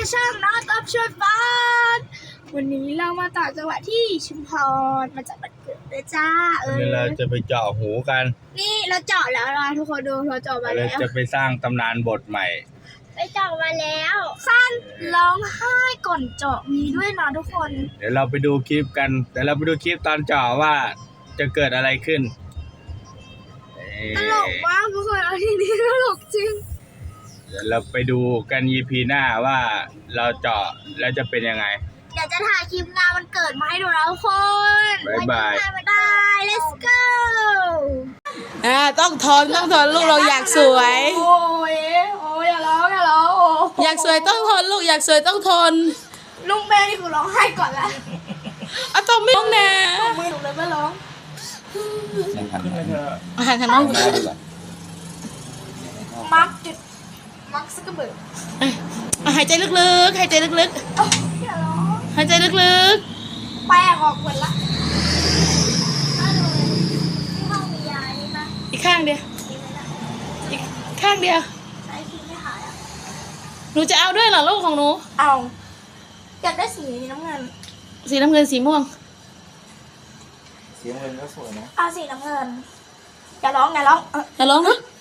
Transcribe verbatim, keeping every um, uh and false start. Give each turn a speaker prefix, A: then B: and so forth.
A: ช่องน้องก๊อฟช่วยฟันวันนี้เรามาต่อจังหวัดที่ชุมพรมาจากบ้านเกิดเลยจ้าเออ
B: เราจะไปเจาะหูกัน
A: นี่เราเจาะแล้วนะทุกคนดูเราเจาะมา
B: เรา
A: แล้ว
B: จะไปสร้างตำนานบทใหม่
A: ไปเจาะมาแล้วสั้นร้องไห้ก่อนเจาะมีด้วยนะทุกคน
B: เดี๋ยวเราไปดูคลิปกันเดี๋ยวเราไปดูคลิปตอนเจาะว่าจะเกิดอะไรขึ้น
A: ตลกมากทุกคนเอาทีนี้ตลกจริง
B: เดี๋ยวเราไปดูกัน อี พี หน้าว่าเราเจาะแล้วจะเป็นยังไง
A: เดี๋ยวจะถ่ายคลิปงานวันเกิดมาให้ดูนะทุกคน
B: บ๊ายบาย
A: บาย let's go
C: อ่าต้องทนต้องทนลูกเราอยากสวย
A: โอ้ยโอ้ยอย่าร้องอย่าร้องโอ้
C: อยากสวยต้องทนลูกอยากสวยต้องทน
A: ลุงแม่นี่คือร้องไห้ก่อนละ
C: อ่ะต้องไม่ต้องแน่
A: มือหนูเลยไม่ร้อง
C: อาหารทางน้อง
A: มักจุดมักสกเบิร์
C: อ่ะหายใจลึกๆหายใจลึก
A: อย่าร้อง
C: ๆหายใจลึก
A: แป้งออกหมดละถ้าดูที่ห้องมียานี่ปะ
C: ๆอีกข้างเดียว
A: มีไหมล่ะ
C: อีกข้างเดียว
A: ใช้ครีมไม่หายอ่ะ
C: หนูจะเอาด้วยเหรอลูกของหนู
A: เอาอยากได้สีน้ำเงิน
C: สีน้ำเงินสีม่วง
B: เสียงเงินก็สวยนะ
A: เอาสีน้ำเงินอย่าร้องอย่าร้องเออ
C: อย่าร้องนะ